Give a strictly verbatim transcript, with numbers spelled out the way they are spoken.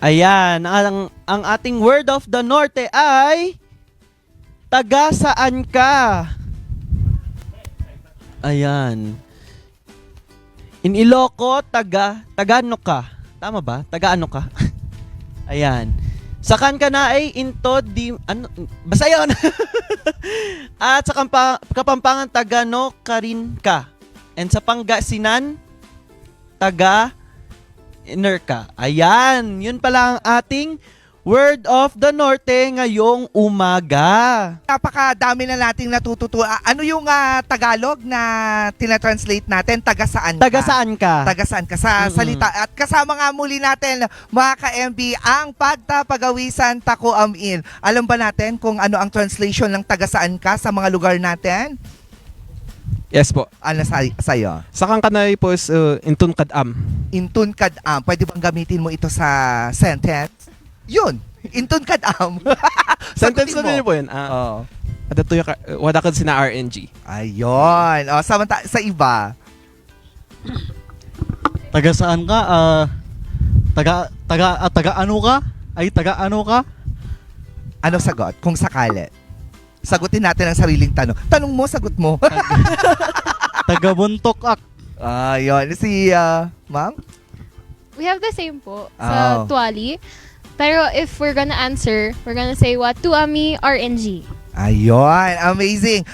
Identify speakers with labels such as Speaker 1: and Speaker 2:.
Speaker 1: Ayan, ang, ang ating word of the norte ay taga saan ka? Ayan. In Iloco, taga, taga ano ka? Tama ba? Taga ano ka? Ayan. Sa kan ka na ay into di, ano, basta yun. At sa kampa, Kapampangan, taga no ka rin ka. And sa Pangasinan, taga inner ka. Ayan, yun pala ang ating word of the norte ngayong umaga.
Speaker 2: Napakadami na nating natututo. Ah, ano yung ah, Tagalog na tinatranslate natin? Taga saan ka?
Speaker 1: Taga saan ka?
Speaker 2: Taga saan ka sa
Speaker 1: Mm-mm.
Speaker 2: salita. At kasama nga muli natin, mga ka-M B, ang pagtapagawisan tako amin. Alam ba natin kung ano ang translation ng taga saan ka sa mga lugar natin?
Speaker 3: Yes po.
Speaker 2: Ano sa sa'yo?
Speaker 3: Sa kanay po is uh, intun kadam.
Speaker 2: Intun kadam. Pwede bang gamitin mo ito sa sentence? Yun. Intun kadam.
Speaker 3: Sentence
Speaker 2: Sagutin
Speaker 3: na din
Speaker 2: mo.
Speaker 3: po yun. Uh,
Speaker 2: Oo.
Speaker 3: Adato yung ka- wada ka sina R N G.
Speaker 2: Ayun. O, samanta sa iba.
Speaker 4: Taga saan ka? Ah, taga taga ah, taga ano ka? Ay taga ano ka?
Speaker 2: Ano sagot? Kung sakali. Sagutin natin ang sariling tanong. Tanong mo, sagot mo.
Speaker 4: Taga Buntok ak.
Speaker 2: Ayun. Si, ah, ma'am?
Speaker 5: We have the same po
Speaker 2: Oh.
Speaker 5: sa Tuali. Pero if we're gonna answer, we're gonna say what? Tuami R N G.
Speaker 2: Ayun. Amazing.